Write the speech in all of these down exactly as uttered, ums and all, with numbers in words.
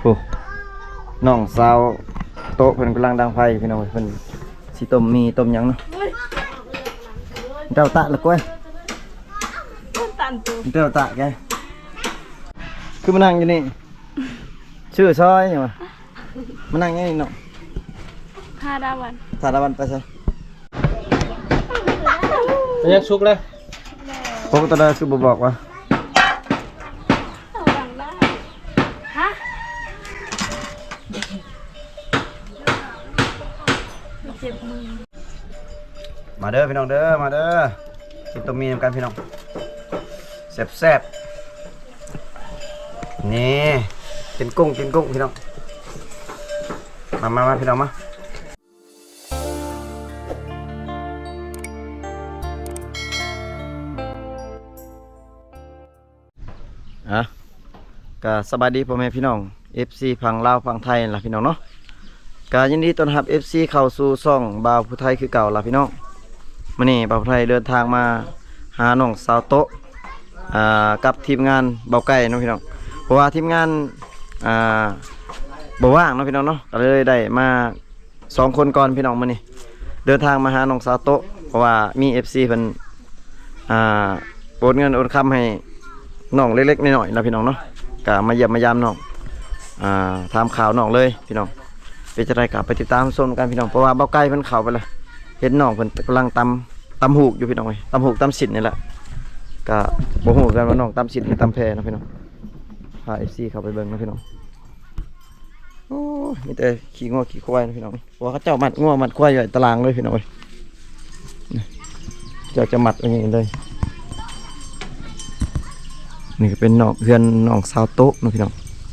อ้น้องสาวโต๊ะเพิ่นกำลังดังไฟพี่น้องเพิ่นสิต้มมีต้มหยังเนาะเจ้าตะละก้อยเจ้าตะแกคือมานั่งอยู่นี่ชื่อซอยหยังวะมานั่งอยู่นี่เนาะทาดาวันทาดาวันไปซะยังสุกเลยพวกตาดาคือบ่บอกว่าฮะเจ็บมือมาเด้อพี่น้องเด้อมาเด้อกินต้มมีนำกันพี่น้องแซ่บๆนี่กินกุ้งกินกุ้งพี่น้องมามามาพี่น้องมาอ่ะก็สบายดีพ่อแม่พี่น้อง เอฟ ซี ฝั่งลาวฝั่งไทยล่ะพี่น้องเนาะก็ยินดีต้อนรับ เอฟ ซี เข้าสู่ช่องบ่าวผู้ไทยคือเก่าล่ะพี่น้องมื้อนี้บ่าวผู้ไทยเดินทางมาหาน้องสาวโตะอ่ากับทีมงานเบาไก่เนาะพี่น้องเพราะว่าทีมงานอ่าบ่ว่างเนาะพี่น้องเนาะก็เลยได้มาสองคนก่อนพี่น้องมื้อนี้เดินทางมาหาน้องสาวโตะเพราะว่ามี เอฟ ซี เพิ่นอ่าโอนเงินโอนคำให้น้องเล็กๆน้อยๆแล้วพี่น้องเนาะก็มาเยี่ยมมายามน้องอ่าถามข่าวน้องเลยพี่น้องเป็นจะได้กลับไปติดตามชมกันพี่น้องเพราะว่าเบาไก่เพิ่นเข้าไปแล้วเห็นน้องเพิ่นกำลังตำตำหูกอยู่พี่น้องเอ้ยตำหูกตำสินนี่แหละก็บ่ฮู้กันว่าน้องตำสินหรือตำแพนะพี่น้องพา เอฟ ซี เข้าไปเบิ่งนะพี่น้องโอ้มีแต่ขี้งัวขี้ควายนะพี่น้องเพราะว่าเขาเจ้ามัดงัวมัดควายอยู่ในตารางเลยพี่น้องเอ้ยเจ้าจะมัดอย่างนี้เลยนี่ก็เป็นน้องเพื่อนน้องสาวโต๊ะนะพี่น้อง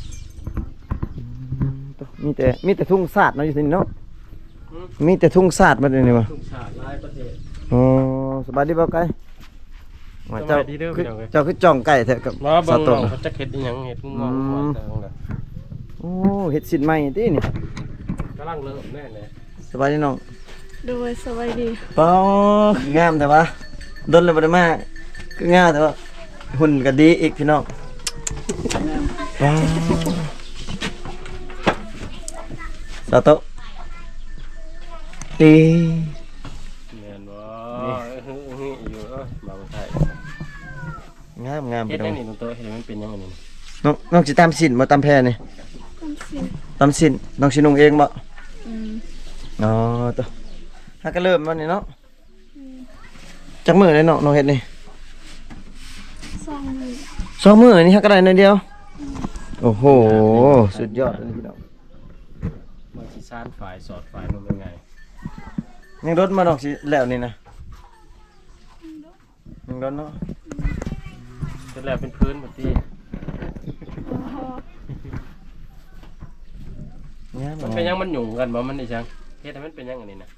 มีแต่มีแต่ทุ่งสาดเนาะอยู่ที่นี่เนาะมีแต่ทุ่งสาดมาเลยนี่วะทุ่งสาดหลายประเทศอ๋อสบายดีเปล่าไก่เจ้าเจ้าคือจ่องไก่แท้กับสาวโต๊ะเขาจะเห็ดอีหยังเห็ดงอกหัวแต่ของน่ะโอ้เห็ดสินใหม่ตินี่กำลังเริ่มแน่เลยสบายดีน้องโดยสบายดีป้องามแต่ว่าดนเลยบ่ได้มาคืองามแต่ว่าหุ่นก็ดีอีกพี่น้องว้าวสาวโต๊ะดีแม่นบ่อยู่เอ้ยมาบ่ได้งามงามเฮ็ดพี่น้ได้องนี่มันโตเฮ็ดมันเป็นยังไงนี่น้องน้องสิตามสินบ่ตามแพนี่ตำสินตามสินน้องสินุ่งเองบ่อืมอ๋อตัวฮักก็เริ่มวันนี้เนาะจักมื้อเลยเนาะน้องเฮ็ดนี่สองมือสองมื้อนี่ฮักก็ได้หน่อยเดียวโอ้โหสุดยอดเลยพี่น้องมาสิซ่านฝ่ายสอดฝ่ายมันเป็นไงยังรถมาดอกสิแล้วนี่นะยังรถเนาะเป็นแล้วเป็นพื้นแบบที่มันเป็นยังมันหยุ่งกันบ่มันนี่จังเฮ็ดให้มันเป็นยังอันนี้นะ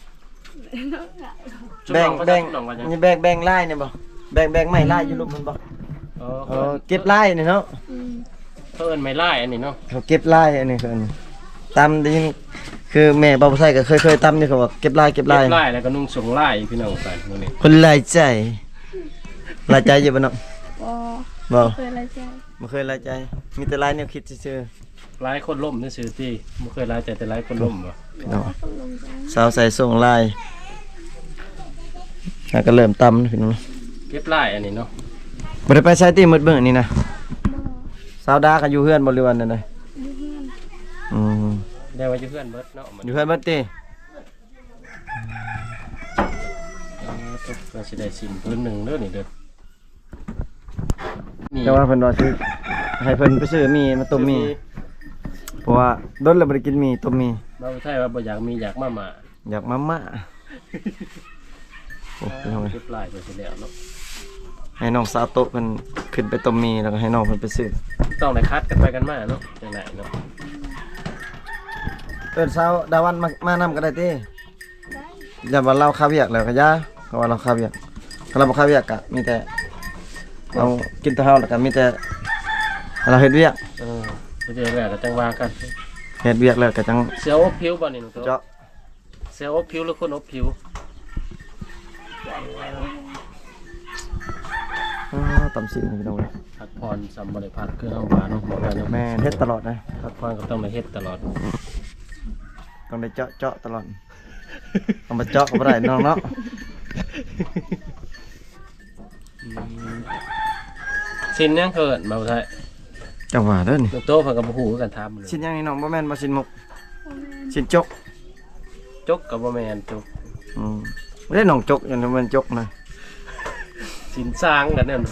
แบ่งแบ่งนี่แบ่งแบ่งลายนี่บ่แบ่งแบ่งไม้ลายอยู่รูปมันบ่เออเออเก็บลายนี่เนาะเขาเอิ้นไม้ลายอันนี้เนาะเขาเก็บลายอันนี้คืออันนี้ตำได้ยินคือแม่บ่าวไทยก็เคยเคยตำนี่เขาบอกเก็บลายเก็บลายเก็บลายแล้วก็นุ่งส่งลายพี่น้องกันมื้อนี้คนลายใจลายใจอยู่บ่เนาะบ่บ่เคยลายใจบ่เคยลายใจมีแต่ลายแนวคิดซื่อลายคนล่มซื่อๆติบ่เคยลายใจแต่ลายคนล่มบ่เนาะสาวใส่ส่งลายแล้วก็เริ่มตำพี่น้องเก็บลายอันนี้เนาะบ่ได้ไปไสติมืดเบิ่งนี่นะสาวดาก็อยู่เฮือนบ่หรือว่านั่นน่ะอยู่เฮือนอือได้ว่าอยู่เฮือนเบิดเนาะอยู่เฮือนเบิดติเออตกก็สิได้สินพื้นหนึงเด้อนี่เด้อแต่ว่าเพิ่นว่าสิให้เพิ่นไปซื้อมีมาต้มมีเพราะว่าดนแล้วบ่ได้กินมีต้มมีบ่ใช่ว่าบ่อยากมีอยากมาม่าอยากมาม่าโอ้ยน้องเอ้ยเก็บลายไปสิแล้วเนาะให้น้องสาวโตะเพิ่นขึ้นไปต้มมีแล้วก็ให้น้องเพิ่นไปซื้อต้องได้คัดกันไปกันมาเนาะจังได๋เนาะเอิ้นสาวดาวันมามานำก็ได้ติได้อย่าว่าเราคาเวียกแล้วก็อย่าเพราะว่าเราคาเวียกถ้าเราบ่คาเวียกก็มีแต่เอากินแต่เฮาแล้วก็มีแต่เราเฮ็ดเวียกเออเฮ็ดแล้วก็จังว่ากันเฮ็ดเวียกแล้วก็จังเสียอบผิวบ่นี่น้องโตเจาะเสียอบผิวหรือคนอบผิวอ๋อตำสินพี่น้องเอ้ยพักผ่อนสำบ่ได้พักคือเฮาว่าเนาะบ่ได้เนาะแม่เฮ็ดตลอดนะพักผ่อนก็ต้องมาเฮ็ดตลอดต้องได้เจาะเจาะตลอดเอามาเจาะก็บ่ได้น้องเนาะสินยังเกิดมาบ่ได้จังหวะเด้อนี่ลูกโตเพิ่นก็บ่ฮู้คือกันถามเลยชิ้นยังนี่น้องบ่แม่นบ่ชิ้นมุกบ่แม่นชิ้นจกจกก็บ่แม่นจกอืมไม่ได้น้องจกอย่างนี้มันจกนะสินสร้างกันนั่น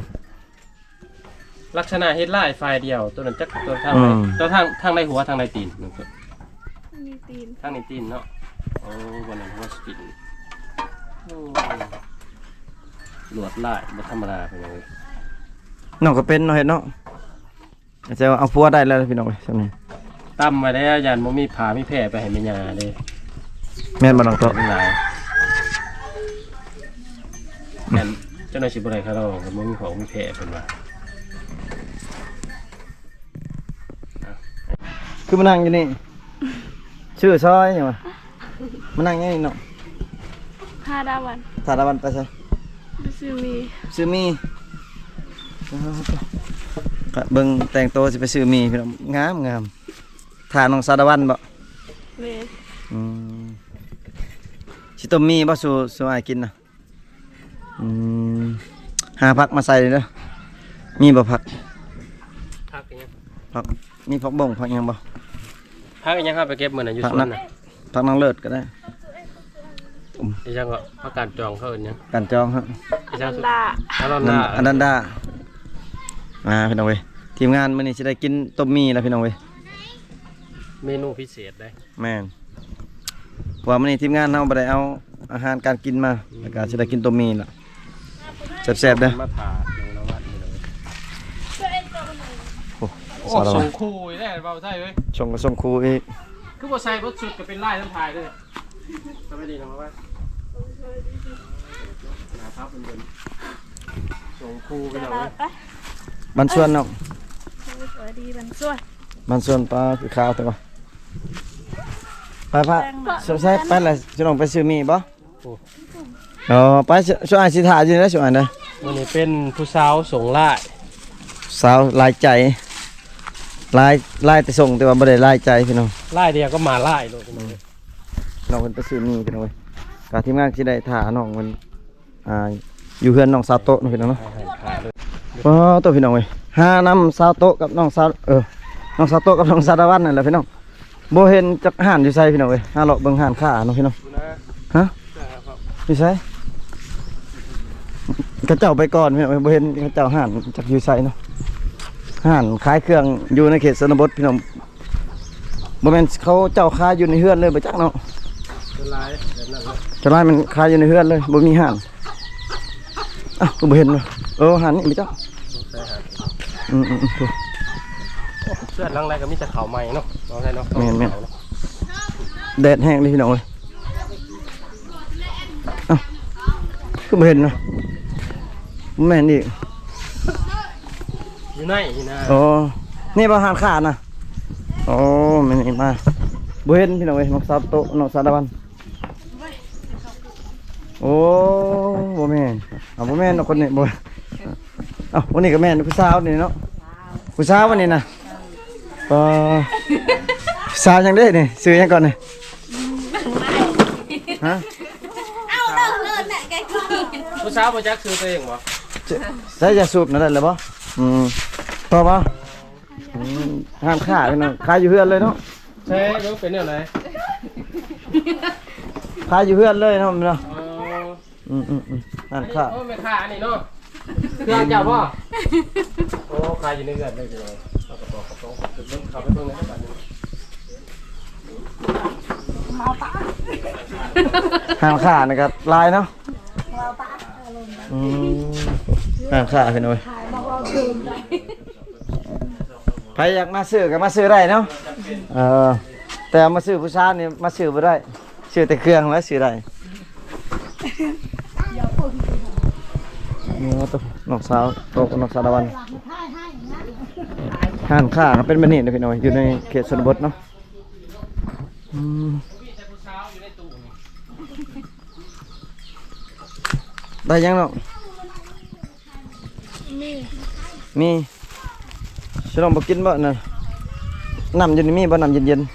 ลักษณะเฮ็ดลายฝ่ายเดียวตัวนั้นจักตัวทางไหนตัวทางทางในหัวทางในตีนนั่นคือมีตีนทางในตีนเนาะโอ้วันนั้นหัวสปินโอ้ลวดลายบ่ธรรมดาเป็นยังไงน้องก็เป็นเนาะเฮ็ดเนาะจะเอาพัวได้แล้วพี่น้องเอ้ยซั่นนี่ตั้มมาได้ยันบ่มีผามีแผลไปให้แม่ย่าเด้แม่นบ่น้องโตเป็นหลายยันเจ้าหน้าที่บ่ได้เขาเราก็บ่มีของมีแผลเพิ่นว่าคือมานั่งอยู่นี่ชื่อซอยหยังวะมานั่งอยู่นี่เนาะพาดาวันถาดาวันไปใช่ไปซื้อมีซื้อมีก็เบิ่งแต่งตัวสิไปซื้อมีพี่น้องงามงามถาน้องสาดาวันบ่แม่นอืมสิต้มมีบ่สู่สู่อ้ายกินน่ะอืมหาผักมาใส่เด้อมีบ่ผักพักอีหยังผักมีผักบ่งผักหยังบ่พักอีหยังครับไปเก็บมื้อน่ะอยู่ผักสวนนั้นน่ะผักนางเลิศก็ได้อีหยังก็พักการจองเขาเอิ้นหยังกันจองฮะอีหยังสุดดาอารอนนั่ดานอันนั้นดามาพี่น้องเว้ยทีมงานมื้อนี้สิได้กินต้มมีแล้วพี่น้องเว้ยเมนูพิเศษได้แม่นเพราะว่ามื้อนี้ทีมงานเฮาบ่ได้เอาอาหารการกินมาแล้วก็สิได้กินต้มมีล่ะแซ่บๆเด้อมาถาดลงนวัดนี่เลยโอ้โอ้สารส่วังตรคู่อีได้เบาใช่เว้ยชงก็ส่งครูอีกคือบ่ใส่บ่สุดก็เป็นลายทั้งทายด้วยสวัสดีน้องว่านะครับเป็นเดินส่งคู่ไปจะหน่อลาย ไปบ้านสวนเนาะสวัสดีบันสวยบ้านสวนปลาคือข้าวแต่ว่าไปพระสงสัยไปแล้วสิลองไปซื้อมีบ่อ๋อไปช่วยอ้ายสิถ่าอยู่นะช่วยอ้ายนะวันนี้เป็นผู้สาวส่งลายสาวลายใจลายลายแต่ส่งแต่ว่าบ่ได้ลายใจพี่น้องลายเดียวก็มาลายโลดพี่น้องน้องเพิ่นไปซื้อมีพี่น้องเว้ยก็ทีมงานสิได้ถ่าน้องมันอ่าอยู่เฮือนน้องสาวโตะเนาะพี่น้องเนาะให้ขาดเลยว้าวตัวพี่น้องเว้ยหาน้ำสาวโตะกับน้องสาวเออน้องสาวโตะกับน้องสาวตะวันนั่นแหละพี่น้องบ่เห็นจักห่านอยู่ไสพี่น้องเว้ยหาเลาะเบิ่งห่านค้าเนาะพี่น้องดูนะฮะครับอยู่ไสกระเจ้าไปก่อนพี่น้องเว้ยบ่เห็นกระเจ้าห่านจักอยู่ไสเนาะห่านขายเครื่องอยู่ในเขตชนบทพี่น้องบ่แม่นเขาเจ้าขายอยู่ในเฮือนเลยบ่จักเนาะเป็นลายแบบนั้นเลยเจ้าลายมันขายอยู่ในเฮือนเลยบ่มีห่านอ้าวก็บ่เห็นว่ะเออห่านนี่บ่จักใส่หาอืมๆๆเสื้อลังไรก็มีแต่ขาวใหม่เนาะน้องใช่เนาะแม่นแม่น แดดแห้งเลยพี่น้องเอ้ยเอ้าก็ไม่เห็นเนาะแม่นอีกอยู่ไหนนี่นะโอ้นี่บ่หานขาดนะโอ้แม่นอีกมาบ่เห็นพี่น้องเอ้ยน้องสาวโตน้องสาวตะวันโอ้บ่แม่นเอาบ่แม่นเนาะคนนี้บ่เอ้าวันนี้ก็แม่นผู้สาวนี่เนาะผู้สาววันนี้นะเออผู้สาวจังได๋นี่ชื่อหยังก่อนนี่ฮะเอาเลิกเลิกเนี่ยแกกินผู้สาวบ่จักซื้อตัวเองบ่ใส่ยาสูบนั่นได้เลยบ่อืมต่อบ่อืมห้ามฆ่าพี่น้องฆ่าอยู่เฮือนเลยเนาะใช่ยกเป็นแนวไหนฆ่าอยู่เฮือนเลยเนาะพี่น้องอ๋ออืมอืมอืมห้าอันมนี้ฆ่าโอ้แม่ค้าอันนี้เนาะเครื่องเจ้าพ่อโอ้ขายอยู่ในเรือนเลยพี่น้องเอากระเป๋ากระเป๋าเก็บเบิ่งเข้าไปเบิ่งในบ้านนี้ห้ามฆ่านะครับลายเนาะอืมห้ามฆ่าพี่น้องใครอยากมาซื้อก็มาซื้อได้เนาะเออแต่มาซื้อผู้ชายนี่มาซื้อบ่ได้ซื้อแต่เครื่องแล้วซื้อได้นี่ว่าตัวน้องสาวโตกับน้องสาวตะวันห้านค้าเป็นแบบนี้นะพี่น้อยอยู่ในเขตชนบทเนาะอืมมีแต่ผู้สาวอยู่ในตู้นี่ได้ยังเนาะมีมีฉันลองบ่กินบ่น่ะน้ำเย็นมีบ่น้ำเย็นเย็น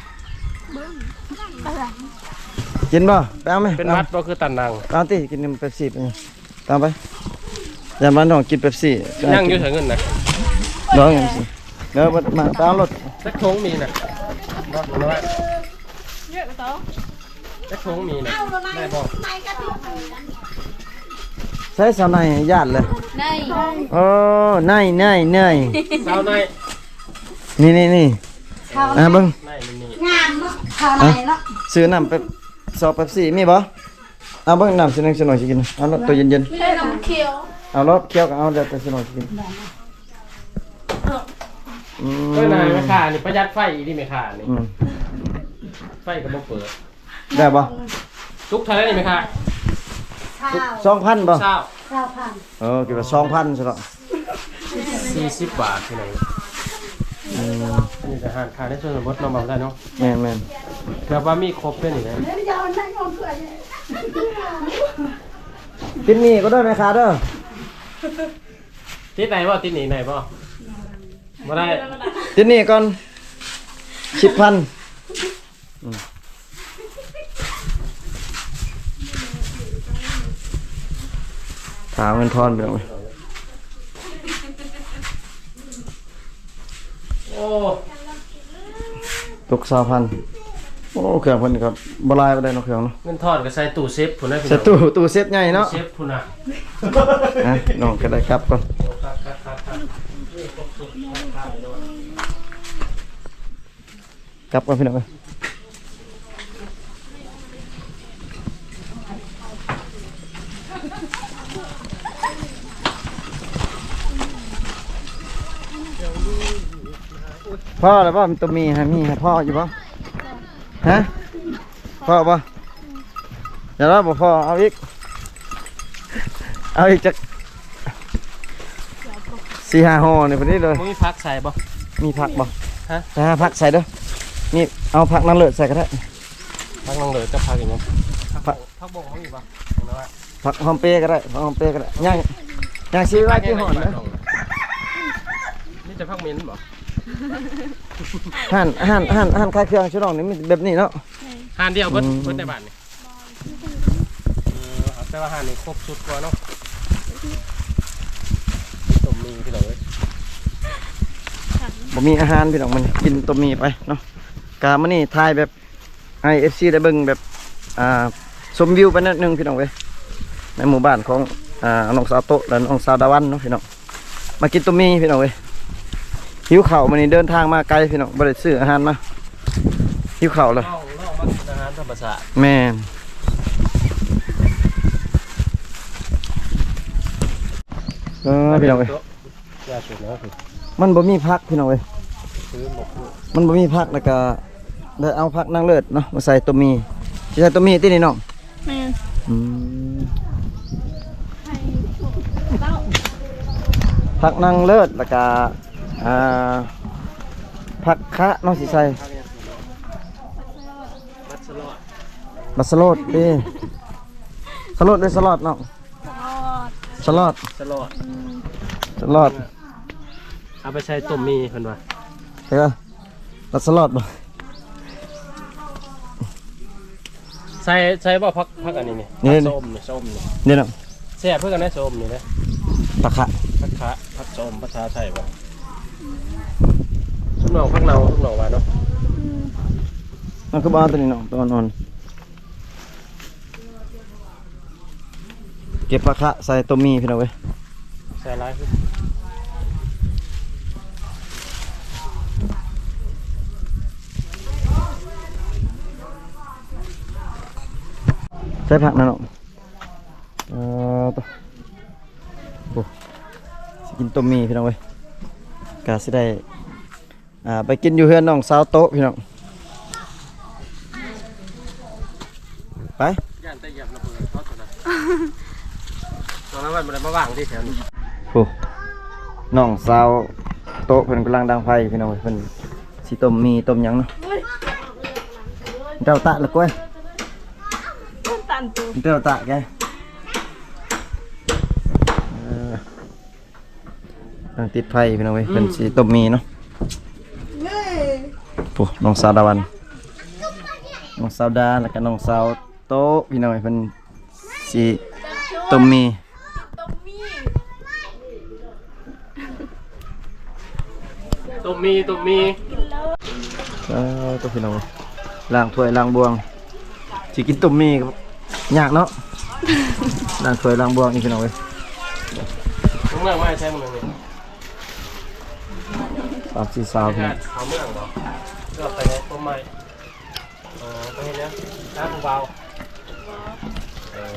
อะไรๆกินบ่ไปเอาไหมเป็นมัดบ่คือตันนังเอาติกินเป๊ปซี่ไปตามไปอย่ามาน้องกินเป๊ปซี่ยังอยู่เถิงเงินนะน้องอย่างสิเดี๋ยวมามาตามรถสักทงมีนะบ่น้อยเยอะกว่าโต๊ะสักทงมีนะได้บ่ใช้สาวในญาติเลยในโอ้ในในในสาวในนี่นี่นี่อ่ะเบิ่งในมันนี่งามเนาะข้าวไหนเนาะซื้อน้ำเป๊ปซอเป๊ปซี่มีบ่เอาเบิ่งน้ำสิหนึงสิหน่อยสิกินเอารถตัวเย็นไม่ได้น้ำเขียวๆเอารถเคี่ยวก็เอาเดี๋ยวแต่สิหน่อยสิกินอืมเอ้ยนายแม่ค้านี่ประหยัดไฟอีนี่แม่ค้านี่อืมไฟก็บ่เปิดได้บ่ทุกเท่าไหร่นี่แม่ค้าข้าวสองพันบ่เช้าข้าวพันเออคิดว่าสองพันซะแล้วสี่สิบบาทที่ไหนอืมอันนี้จะหารค่าได้ส่วนลดน้องเบาได้เนาะแม่นแม่นเกือบว่ามีครบด้วยนี่นะเดี๋ยวจะเอาไหนเอาเพื่อนกินนี่ก็ได้ไหมคะเด้อติดไหนบ่ติดหนีไหนบ่บ่ได้กินนี่ก่อนสิบพันอืมถามเงินทอนไปหน่อยโอ้ตกสามพันโอ้เครื่องเพิ่นครับบ่ลายบ่ได้เนาะเครื่องเนาะเงินทอดก็ใส่ตู้เซฟพุ่นนะพี่เซตตู้ตู้เซฟใหญ่เนาะเซฟพุ่นน่ะนะน้องก็ได้ครับก่อนครับครับครับครับกลับก่อนพี่น้องเอ้ยพ่อแล้วพ่อมีตัวมีฮะมีฮะพ่ออยู่ป่ะฮะพ่อป่ะเดี๋ยวเราบอกพ่อเอาอีกเอาอีกจากสี่ห้าห่อเนี่ยพอดีเลยมึงมีพักใส่บ่มีผักบ่ฮะแต่ผักใส่เด้อนี่เอาผักนั่งเลือดใส่ก็ได้พักนั่งเลยจะพักอย่างเงี้ยพักพักบ่เขาอยู่บ่ผักหอมเปรย์ก็ได้ผักหอมเปรย์ก็ได้ย่างย่างซีไว้ที่ห่อนนะนี่จะพักมิ้นบ่หั่นหั่นหั่นหั่นคลายเครื่องชุดน้องนี่มีแบบนี้เนาะหานเดียวเพิ่นอืมเพิ่นในบ้านนี่เออแต่ว่าหานนี่ครบสุดกว่าเนาะสมมีพี่น้องเอ้ยบ่มีอาหารพี่น้องมันกินตัวมีไปเนาะกามื้อนี้ถ่ายแบบให้ เอฟ ซี ได้เบิ่งแบบอ่าชมวิวไปนิดนึงพี่น้องเว้ยในหมู่บ้านของอ่าน้องสาวโตะและน้องสาวดาวันเนาะพี่น้องมากินตัวมีพี่น้องเว้ยหิวข้าวมื้อนี้เดินทางมาไกลพี่น้องบ่ได้ซื้ออาหารมาหิวข้าวเลยน้องน้องมากินอาหารธรรมชาติแม่นเออพี่น้องเว้ยยาสูบนะคือมันบ่มีผักพี่น้องเว้ยซื้อหมกมันบ่มีผักแล้วก็ได้เอาผักนางเลิศเนาะมาใส่ตัวมีสิใส่ตัวมีตินี่น้องแม่อืมผักนางเลิศแล้วก็อ่าผักคะน้องสิใส่มัดสลอดบัสโลดเด้สโลดด้วยสลอดน้องทอดสลอดสลอดสลอดเอาไปใช้ต้มมีเพิ่นว่าเฮ้ยบัสลอดบ่ใส่ใส่บ่พักพักอันนี้นี่นี่ส้มนี่ส้มนี่นี่น้องแซ่บเพื่อกันนะส้มนี่นะผักคะพักคะพักส้มภาษาไทยบ่ทุกหน่อพักเนาทุกหน่อว่าเนาะมันคือบ้านตัวนี้น้องตัวนอนเก็บผักคะใส่ตัวมีพี่น้องเว้ยใส่ร้ายขึ้นใส่ผักนะน้องเอ่อตัวโอ้สิกินตัวมีพี่น้องเว้ยกาสิได้อ่าไปกินอยู่เฮือนน้องสาวโต๊ะพี่น้องไปย่านแต่ยับระเบิดทอดตัวนั้นตอนนั้นมันมันมาว่างที่แถวนี้โอ้น้องสาวโต๊ะเพิ่นกำลังดังไฟพี่น้องเว้ยเพิ่นสิต้มมีต้มหยังเนาะเจ้าตะละก้อยตันตูเจ้าตะแกเออตั้งติดไฟพี่น้องเว้ยเพิ่นสิต้มมีเนาะปุ๊น้องสาวดาวันน้องสาวดาแล้วก็น้องสาวโตะพี่น้องเพิ่นสิต้มมีต้มมีตุ่มมีตุ่มมีเออตัวพี่น้องล้างถ้วยล้างบวงสิกินต้มมีครับยากเนาะ ล้างถ้วยล้างบวงนี่พี่น้องเว้ยมึงเมืองไม่ใช่มึงนี่สามสี่สาวพี่น้องเขาเมืองเหรอเลือกไปต้มไม้เออไปเห็นแล้วน้ำเบาเอ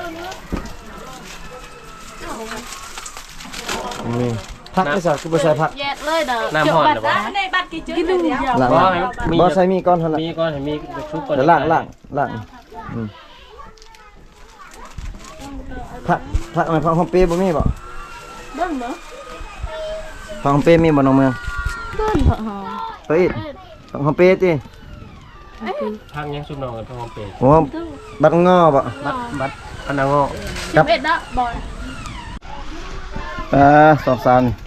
อนี่พักไม่ใส่คือบ่ใส่พักแยกเลยเด้อน้ำห่อนเหรอวะในบัตรกี่จืดเดียวล้างบ่ล้างให้มีบ่ใส่มีก่อนเท่านั้นมีก่อนให้มีชุบก่อนเดี๋ยวล้างล้างล้างอืมพักพักไหมพักของเป้บ่มีบ่เบิ้งเนาะพักของเป้มีบ่น้องเมืองเบิ้งเหรอเฮ้ยพักของเป้ติพักยังชุบนอนกันพักของเป็ดโอ้บัดงอบ่บัดบัดพนังงอสิบเอ็ดนะบอยอ่าสองสาวนี่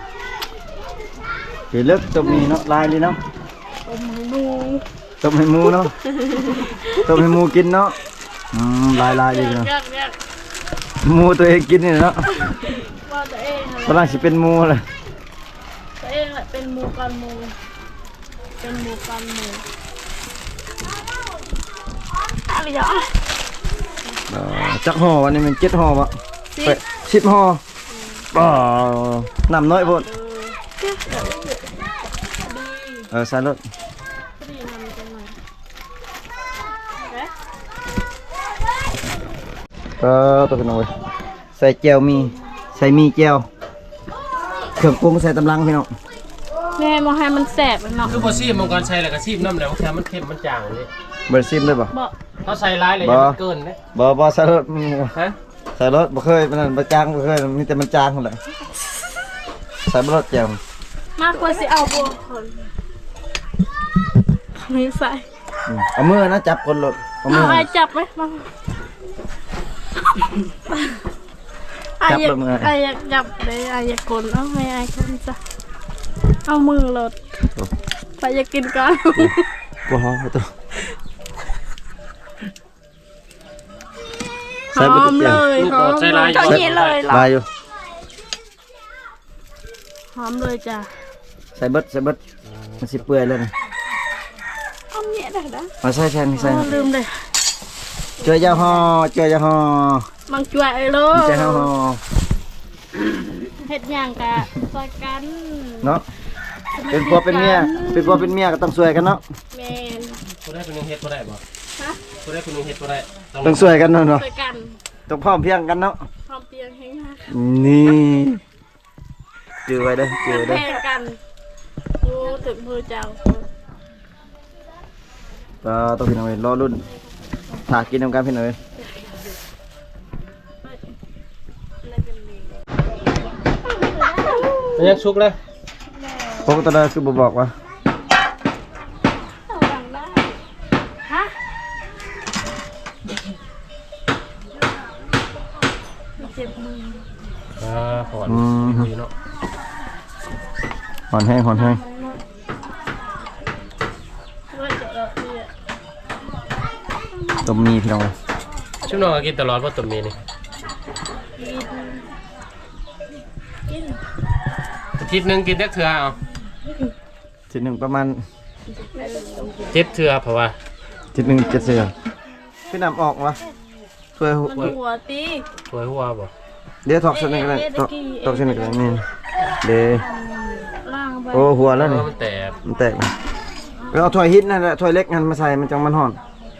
สิเลิกต้มมีเนาะลายดีเนาะต้มหมูต้มให้หมูเนาะ ต้มให้หมูกินเนาะ อืมลายลายดีเนาะยากยากหมูตัวเองกินนี่เนาะว่าตัวเองอะไรกำลังสิเป็นหมูเลยตัวเองแหละเป็นหมูกันหมูเป็นหมูกันหมูอะไรอย่างเอ่อจักห่อวันนี้มันเจ็ดห่อปะสิไปสิบห่ออ๋อน้ำน้อยโพดเออใส่รถดีนำจังหน่อยก็ตัวพี่น้องเว้ยใส่แจวมี ใส่มีแจวเครื่องปรุงใส่ตำลังพี่น้องแม่มาให้มันแสบเนาะคือพอซีมมังกรใช้แล้วก็ซีมน้ำแล้วแค่มันเค็มมันจางเลยเบอร์ซิมเลยปะบอกเขาใส่ร้ายเลยมันเกินนะบ่บ่ใส่รถอืมฮะใส่รถบ่เคยมันนั่นบ่จางบ่เคยมีแต่มันจางเท่านั้นแหละใส่บ่รถแจวมากกว่าสิเอาบัวคนไม่ใส่อืมเอามือนะจับคนรถเอามืเอาอไอ้จับไหมมาไอ้อยากไอ้อยากจับเลยไอ้อยากกลเอาไม่ไอ้คนจ้ะเอามือรถไปอยากกินก่อนบ่ฮอตัวหอมเลยหอมเลยเท่านี้เลยเหรอลายอยู่หอมเลยจ้ะใส่เบิดใส่เบิดมันสิเปื่อยแล้วนี่หอมเนี่ยได้นะมาใส่แทนนี่ใส่ลืมเลยเจอยาฮอเจอยาฮอมังจวยเลมียใจฮอเฮ็ดอย่างกะซอยกันเนาะเป็นผัวเป็นเมียเป็นผัวเป็นเมียก็ต้องช่วยกันเนาะแมนผู้ได้เป็นนุ่งเฮ็ดผู้ได้บ่ฮะผู้ได้เป็นนุ่งเฮ็ดผู้ได้ต้องช่วยกันเนาะเนาะซอยกันต้องพร้อมเพรียงกันเนาะพร้อมเตียงแห้งมากนี่จือไว้เด้อจือไว้เด้อแห้งกันโอ้ถึงมือเจ้าก็ต้องพี่น้องเอ้ยรอรุ่นถากินนำกันพี่น้องเอ้ยมันยังชุกเลยพวกตัวนั้นคือบ่บอกว่าฮะเจ็บมืออ่าหอนอืมดีเนาะหอนแห้งหอนแห้งด้วยเจ็บแล้วเนี่ยต้มมีพี่น้องเอ้ยชุบนอนก็กินตลอดเพราะตุ่มมีนี่กินอาทิตย์หนึงกินได้เทื่อเอาทีหนึ่งประมาณเจ็ดเทื่อเพราะว่าทีหนึ่งเจ็ดเสือพี่น้ำออกวะช่วยหัวมันหัวตีถวยหัวบ่เดี๋ยวถอกเส้นหนึ่งก็ได้ถอกถอกเส้นหนึ่งก็ได้นี่เดี๋ยวล่างไปโอ้หัวแล้วเพนี่ราะมันแตกมันแตกเลยไปเอาถ้วยฮิตนั่นแหละถ้วยเล็กนั่นมาใส่มันจังมันห่อน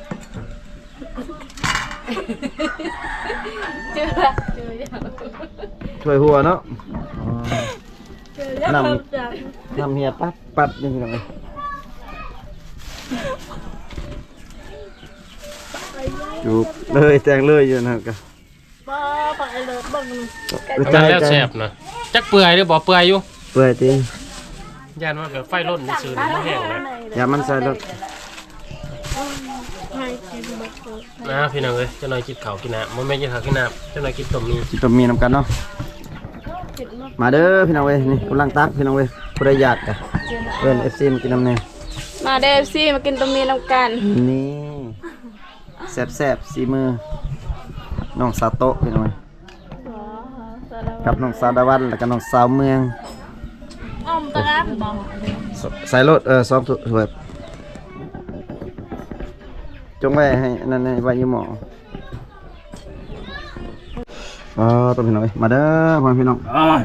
เจอเจออย่างถ้วยหัวเนาะเจออย่างน้จากำน้ำเฮียปัดปัดนี่พี่น้องเอ้ยจูบเลยแจงเลยอยู่นะครับก็บ้าไปเลยบ้างมันแล้วแซ่บนะจักเปื่อยหรือบ่เปื่อยอยู่เปื่อยตีย่านว่าแบบไฟล้นซื่อๆมันแห้งเลยอย่ามันใส่รถให้กินบักเกอร์นะพี่น้องเอ้ยเจ้าหน่อยกินข้าวกินน้ำบ่แม่นกินข้าวกินน้ำเจ้าหน่อยกินต้มมีจิตมีน้ำกันเนาะเผ็ดมากมาเด้อพี่น้องเว้ยนี่กำลังตักพี่น้องเว้ยผู้ใดอยากกะเอิ้น เอฟ ซี มากินน้ำแน่มาเดฟซี่มากินตรงนี้น้ำกันนี่แซ่บๆสีมือน้องซาโตะพี่น้องกับน้องซาดาวันแล้วก็น้องสาวเมืองอ้อมตะครับบอกสใส่รถเออซ้อมถ้วยจงไว้ให้นั่นไว้ยี่หมออ๋อตัวพี่น้องมาเด้อพ่อพี่น้อง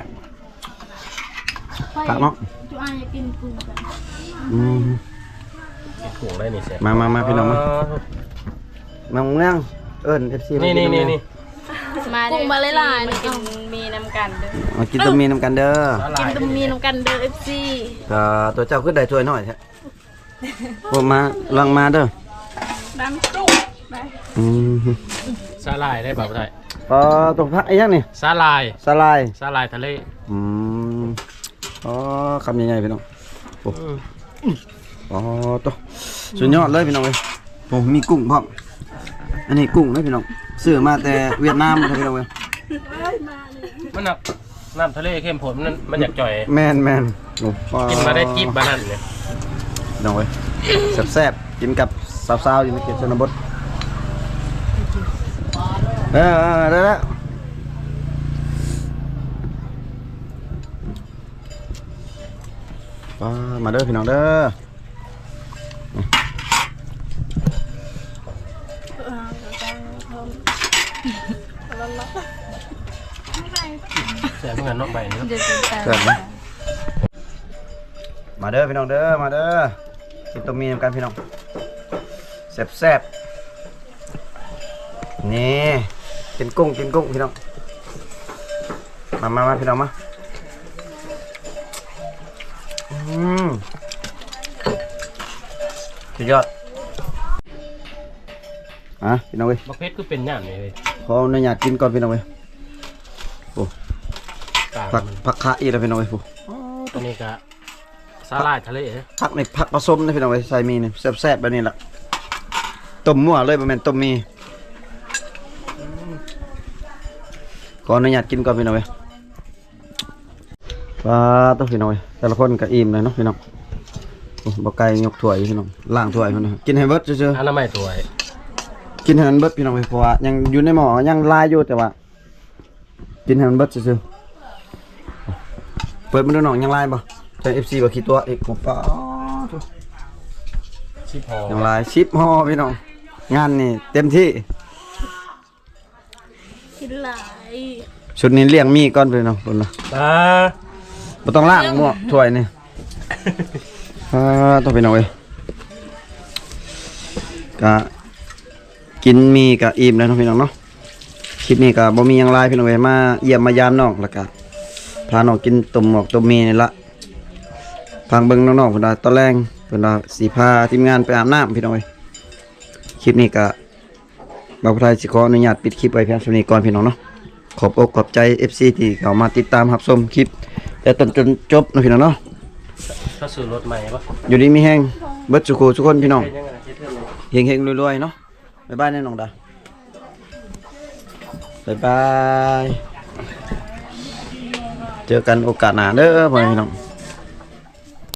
กะเนาะจูอาอยากกินกุ้งกันอืมถุงได้นี่เสร็จมามามาพี่น้องมาน้องเมืองเอิ้น เอฟ ซีนี่นี่นี่นี่มากุ้งมาเลยล่ะมากินมีน้ำกันเด้อมากินต้มมีน้ำกันเด้อกินตรงมีน้ำกันเด้อเอฟซีก็ตัวเจ้าขึ้นได้ถ้วยหน่อยแท้ผมมาลังมาเด้อน้ำจุ๊บไปอืมสาลายได้ป่าวไทยอ๋อตัวพักไอ้ยังนี่สาลายสลายสาลายทะเลอืมอ๋อคำยังไงพี่น้องโอ้อ๋อตัวสุดยอดเลยพี่น้องเอ้ยผมมีกุ้งพร้อมอันนี้กุ้งนะพี่น้องซื้อมาแต่เวียดนามนะพี่น้องเอ้ยมันหนักน้ำทะเลเข้มข้นมันมันอยากจ่อยแมนแมนโอ้กินมาได้จิ๊บบานันเนี่ยพี่น้องเอ้ยแซ่บๆกินกับสาวๆอยู่ในเขตชนบทเออเออได้แล้วอ่ามาเด้อพี่น้องเด้อเสียเงินนอกใบนี่เดี๋ยวจะเกิดไหมมาเด้อพี่น้องเด้อมาเด้อกินต้มมีน้ำกันพี่น้องแซ่บๆนี่กินกุ้งกินกุ้งพี่น้องมามามาพี่น้องมาอืมสุดยอดอ่ะพี่น้องเว้ยบักเพชรคือเป็นย่านนี่เลยขออนุญาตกินก่อนพี่น้องเว้ยโอ้กลางผักมันผักคะอีกแล้วพี่น้องเว้ยโอ้ตัวนี้ก็สาลายทะเลนะผักในผักผสมนะพี่น้องเว้ยใส่มีนี่แซ่บๆแบบนี้ล่ะต้มมั่วเลยบ่แม่นต้มมีขออนุญาตกินก่อนพี่น้องเว้ยปลาต้องพี่น้องเว้ยแต่ละคนก็อิ่มเลยเนาะพี่น้องโอ้บ่ไก่ยกถ้วยอยู่พี่น้องล้างถ้วยพุ่นนะกินให้เบิดซื่ออนามัยตัวๆกินให้มันเบิดพี่น้องเว้ยเพราะว่ายังอยู่ในหม้อยังลายอยู่แต่ว่ากินให้มันเบิดซื่อๆเปิดมาดูน้องยังลายบ่ใช่ เอฟ ซี บ่คิดตัวอีกโอ้ปลาชิพอยังลายชิปห่อพี่น้องงานนี่เต็มที่กินหลายชุดนี้เลี้ยงมีก่อนพี่น้องพุ่นนะอ่าบ่ต้องล้างหม้อถ้วยนี่ อ่าต้องพี่น้องเว้ยก็กินมีก็อิ่มแล้วเนาะพี่น้องเนาะคลิปนี้ก็บ่มีหยังหลายพี่น้องเว้ยมาเยี่ยมมายามน้องแล้วก็พาน้องกินต้มหมอกต้มมีนี่ละฟังเบิ่งน้องๆเพิ่นว่าตอนแรงเพิ่นว่าสิพาทีมงานไปอาบน้ำพี่น้องเว้ยคลิปนี้ก็บ่าวผู้ไทยสิขออนุญาตปิดคลิปไว้เพียงเท่านี้ก่อนพี่น้องเนาะขอบอกขอบใจ เอฟ ซี ที่เข้ามาติดตามรับชมคลิปแต่ต้นจนจบเนาะพี่น้องเนาะถ้าซื้อรถใหม่ปะอยู่ดีมีแห้งเบิดสุขทุกคนพี่น้องเป็นยังไงคิดเรื่องนี้เฮงเฮงๆรวยๆเนาะบ๊ายบายแน่น้องดาบ๊ายบายเจอกันโอกาสหน้าเด้อพ่อแม่พี่น้อง